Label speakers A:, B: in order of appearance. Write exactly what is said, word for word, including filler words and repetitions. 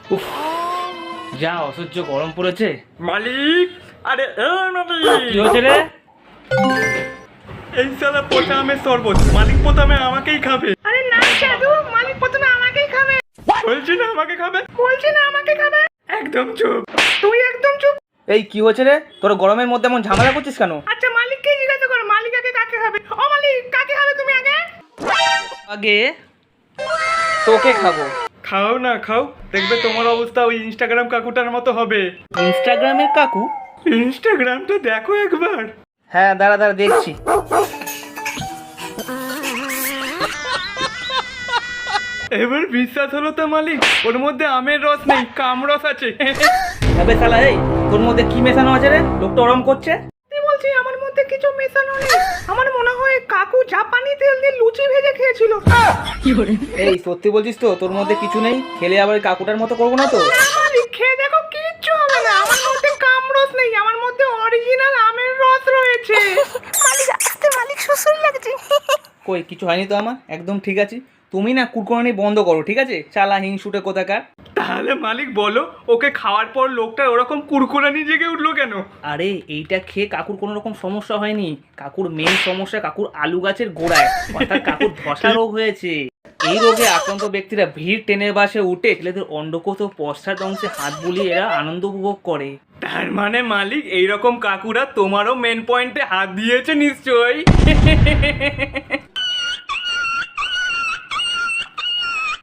A: উফ, যা অসহ্য গরম পড়েছে।
B: মালিক, আরে এ মালিক,
A: কি হয়েছে রে?
B: এই সালা পচা আমের শরবত মালিক প্রথমে আমাকেই খাবে।
C: আরে না সাধু, মালিক প্রথমে আমাকেই খাবে।
B: বলছি না আমাকে খাবে,
C: বলছি না আমাকে খাবে।
B: একদম চুপ।
C: তুই একদম চুপ।
A: এই কি হয়েছে রে? তোর গরমের মধ্যে এমন ঝামেলা করছিস কেন?
C: আচ্ছা মালিককে জিজ্ঞাসা করো, মালিক আগে কাকে খাবে? ও মালিক, কাকে খাবে তুমি আগে?
A: আগে তোকে খাবো।
B: খাও না খাও, দেখবে তোমার অবস্থা ওই ইনস্টাগ্রাম কাকুটার মতো হবে।
A: ইনস্টাগ্রামের কাকু?
B: ইনস্টাগ্রামটা দেখো একবার।
A: হ্যাঁ দাঁড়া দাঁড়া দেখছি।
B: এবার বিশ্বাস হলো তো মালিক, ওর মধ্যে আমের রস নেই, কামরস আছে।
A: তবে শালা এই, তোর মধ্যে কি মেশানো আছে রে? লোকটা ওরম করছে।
C: তুই বলছি আমার মধ্যে কিছু মেশানো নেই। আমার মনে হয় কাকু জাপানি তেল দিয়ে লুচি ভেজে খেয়েছিল।
A: এই সত্যি বলছিস তো তোর মধ্যে কিছু নেই? খেলে আবার ওই কাকুটার মতো করবো না তো?
C: না মালিক, খেয়ে দেখো কিচ্ছু হবে না। আমার মধ্যে কামরস নেই, আমার মধ্যে অরিজিনাল আমের রস রয়েছে। মালিক আসতে, মালিক শ্বশুর লাগছে।
A: কই কিছু হয়নি তো আমার, একদম ঠিক আছে। তুমি না কুরকুরানি বন্ধ করো, ঠিক আছে? চালা হিংসুটে কোথাকার।
B: তাহলে মালিক বলো, ওকে খাওয়ার পর লোকটা ওরকম কুরকুরানি জেগে উঠলো কেন?
A: আরে এইটা খেয়ে কাকুর কোনো রকম সমস্যা হয়নি। কাকুর মেন সমস্যা কাকুর আলু গাছের গোড়ায়, অর্থাৎ কাকুর ধসা রোগ হয়েছে। এই রোগে আক্রান্ত ব্যক্তিরা ভিড় টেনে বাসে উঠে ছেলেদের অন্ডকোষ ও পশ্চাৎ অংশে হাত বুলিয়ে এরা আনন্দ উপভোগ করে।
B: তার মানে মালিক এইরকম কাকুরা তোমারও মেন পয়েন্টে হাত দিয়েছে নিশ্চয়ই।